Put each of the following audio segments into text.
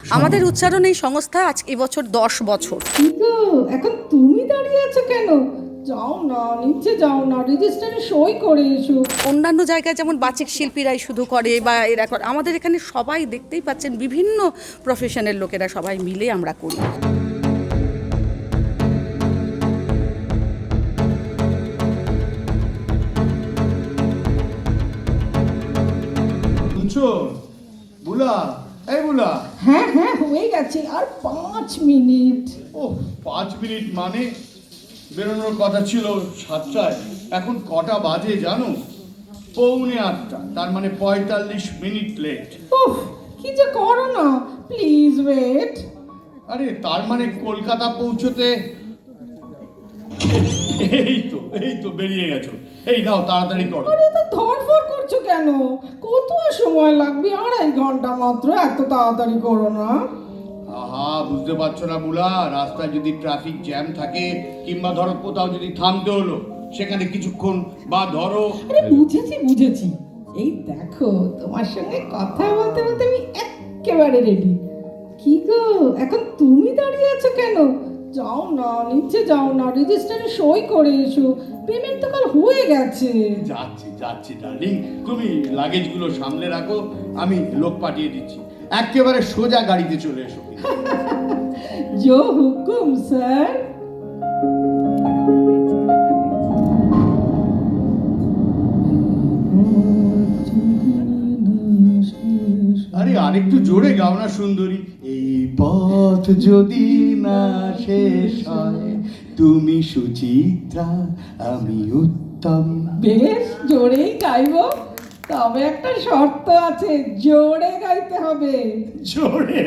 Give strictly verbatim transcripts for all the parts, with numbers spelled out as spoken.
আমাদের উচ্চারণ এই সংস্থা আজ এবছর দশ বছর। কিন্তু এখন তুমি দাঁড়িয়ে আছো কেন? যাও না, নিচে যাও না, রেজিস্টারে সই করে এসো। অন্যান্য জায়গায় যেমন বাচিক শিল্পীরাই শুধু করে বা এরা করে, আমাদের এখানে সবাই দেখতেই পাচ্ছেন বিভিন্ন প্রফেশনের লোকেরা সবাই মিলে আমরা করি। শুনছো বুলা? এই বুলা, হ্যাঁ হ্যাঁ হয়ে গেছে, আর পাঁচ মিনিট। ও পাঁচ মিনিট মানে বেরোনোর কথা ছিল সাতটায়, এখন কটা বাজে জানো? পৌনে আটটা, তার মানে পঁয়তাল্লিশ মিনিট লেট। উফ, কি যে করো না, প্লিজ ওয়েট। আরে তার মানে কলকাতা পৌঁছতে এই তো এই তো বেরিয়ে গেছো। এই নাও তাড়াতাড়ি করো। আরে তো ধরফর করছো কেন? কত আর সময় লাগবে? আড়াই ঘন্টা মাত্র, এত তাড়াতাড়ি করো না। আহা, বুঝতে পারছো না বুলা, রাস্তায় যদি ট্রাফিক জ্যাম থাকে কিংবা ধরো কোথাও যদি থামতে হলো, সেখানে কিছুক্ষণ বা ধরো। আরে বুঝেছি বুঝেছি, এই দেখো তোমার সঙ্গে কথা বলতে বলতে আমি একেবারে রেডি। কি গো, এখন তুমি দাঁড়িয়ে আছো কেন? যাও না, নিচে যাও না, রেজিস্টারে সই করে এসো। পেমেন্ট তো কাল হয়ে গেছে। যাচ্ছি যাচ্ছি ডার্লিং, তুমি লাগেজগুলো সামলে রাখো, আমি লোক পাঠিয়ে দিচ্ছি। একেবারে সোজা গাড়িতে চলে এসো। জো হুকুম স্যার। আরে আরেকটু জোরে গাও না সুন্দরী। এই পথ যদি না শেষ হয়, তুমি সুচিত্রা, আমি উত্তম। বেশ জোরেই গাইবো, তবে একটা শর্ত আছে, জোরে গাইতে হবে। জোরে?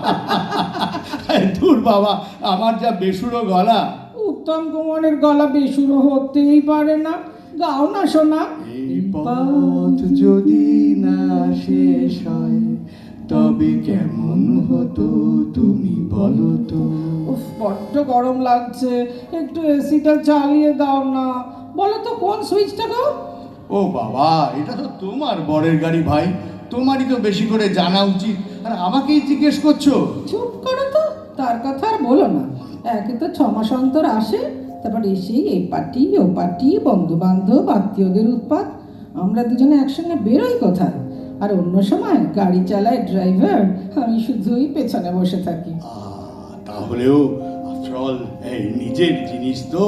দূর বাবা, আমার যা বেসুরো গলা। উত্তম কুমারের গলা বেসুরো হতেই পারে না। গাও না শোনা। এই পথ যদি না শেষ হয়, তবে কেমন হতো তুমি বলো তো? উফ, বড্ড গরম লাগছে, একটু এসিটা চালিয়ে দাও না। বলো তো কোন সুইচটা গো? ও বাবা, এটা তো তোমার বরের গাড়ি ভাই, তোমারই তো বেশি করে জানা উচিত, আর আমাকেই জিজ্ঞেস করছো। চুপ করো তো, তার কথা আর বলো না। একে তো ছ মাস অন্তর আসে, তারপর এসেই এই পার্টি ও পার্টি, বন্ধু বান্ধব আত্মীয়দের উৎপাত। আমরা দুজনে একসঙ্গে বেরোই কোথায়, আর অন্য সময় গাড়ি চালায় ড্রাইভার, আমি শুধুই পেছনে বসে থাকি। আহ, তাহলেও আফটার অল এই নিজের জিনিস তো।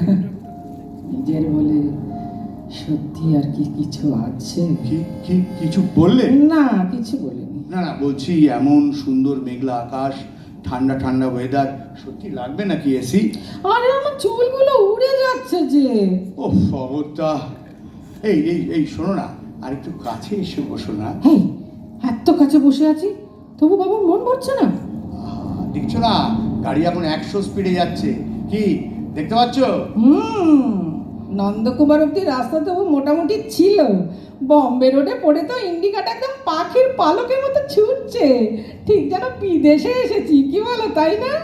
নিজের বলে সত্যি আর কি কিছু আছে? কি কি কিছু বললে? না, কিছু বলিনি। না না, বলছি এমন সুন্দর মেঘলা আকাশ, ঠান্ডা ঠান্ডা ওয়েদার, সত্যি লাগবে নাকি এসি? আরে আমার চুলগুলো উড়ে যাচ্ছে যে। ও অবস্থা। এই এই এই শোনো না, আর একটু কাছে এসে বসো না। হেই, এত কাছে বসে আছি, তবু বাবুর মন ভরছে না। আহ, দেখছো না, গাড়ি এখন একশো স্পিডে যাচ্ছে, কি দেখতে পাচ্ছ? হুম, নন্দকুমার অব্দি রাস্তা তবু মোটামুটি ছিল, বম্বে রোডে পড়ে তো ইন্ডিকাটা একদম পাখির পালকের মতো ছুটছে, ঠিক যেন বিদেশে এসেছি, কি বলো তাই না?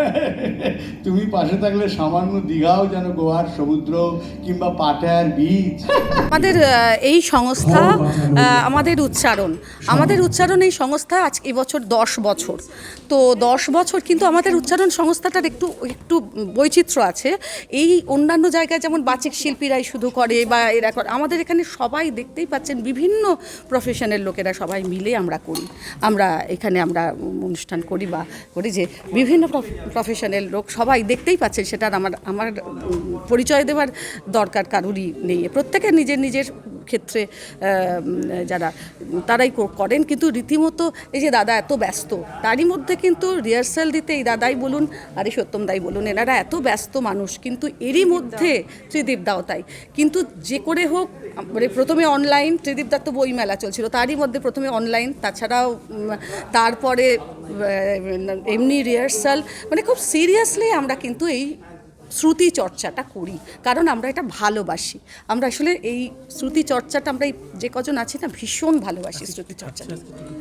তুমি পাশে থাকলে সামান্য দীঘাও যেন গোয়ার সমুদ্র কিংবা পাটায়ার বীচ। আমাদের আহ, এই সংস্থা, আহ, আমাদের উচ্চারণ আমাদের উচ্চারণ এই সংস্থা আজ এবছর দশ বছর। তো দশ বছর কিন্তু আমাদের উচ্চারণ সংস্থাটার একটু একটু বৈচিত্র্য আছে। এই অন্যান্য জায়গায় যেমন বাচিক শিল্পীরাই শুধু করে বা এরা করে, আমাদের এখানে সবাই দেখতেই পাচ্ছেন বিভিন্ন প্রফেশনের লোকেরা সবাই মিলে আমরা করি। আমরা এখানে আমরা অনুষ্ঠান করি বা করি যে বিভিন্ন প্রফেশনের লোক সবাই দেখতেই পাচ্ছেন, সেটা আমার আমার পরিচয় দেওয়ার দরকার কারুরই নেই। প্রত্যেকে নিজের নিজের ক্ষেত্রে যারা তারাই করেন, কিন্তু রীতিমতো এই যে দাদা এত ব্যস্ত, তারই মধ্যে কিন্তু রিহার্সাল দিতে এই দাদাই বলুন আর এই সত্যম দাই বলুন, এনারা এত ব্যস্ত মানুষ, কিন্তু এরই মধ্যে ত্রিদীপ দাও তাই, কিন্তু যে করে হোক, মানে প্রথমে অনলাইন, ত্রিদীপ দার তো বই মেলা চলছিল, তারই মধ্যে প্রথমে অনলাইন, তাছাড়াও তারপরে এমনি রিহার্সাল, মানে খুব সিরিয়াসলি আমরা কিন্তু এই শ্রুতি চর্চাটা করি, কারণ আমরা এটা ভালোবাসি। আমরা আসলে এই শ্রুতি চর্চাটা আমরা এই যে কজন আছি না, ভীষণ ভালোবাসি শ্রুতি চর্চাটা।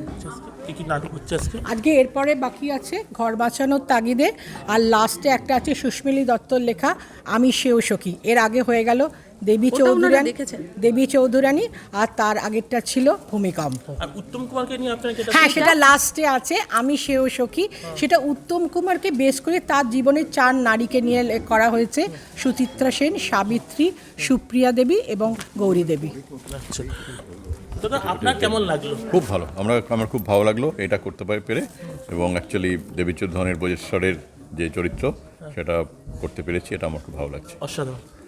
আজকে এরপরে বাকি আছে ঘর বাঁচানোর তাগিদে, আর লাস্টে একটা আছে সুস্মিলি দত্তর লেখা আমি সেও সখী। এর আগে হয়ে গেল দেবী ওটা ওনারা চৌধুরানী দেখেছেন। দেবী চৌধুরানী আর তার আগেরটা ছিল ভূমিকম্প। আর উত্তম কুমারকে নিয়ে আপনার কি এটা- হ্যাঁ, সেটা লাস্টে আছে, আমি সেও সখী। সেটা উত্তম কুমারকে বেশ করে তার জীবনের চার নারীকে নিয়ে লে- করা হয়েছে, সুচিত্রা সেন, সাবিত্রী, সুপ্রিয়া দেবী এবং গৌরী দেবী। আচ্ছা। দাদা আপনার কেমন লাগলো? খুব ভালো, আমরা আমার খুব ভালো লাগলো এটা করতে পারি পেরে, এবং অ্যাকচুয়ালি দেবীচৌধুরানীর বজেশ্বরের যে চরিত্র সেটা করতে পেরেছি, এটা আমার খুব ভালো লাগছে। অসাধারণ।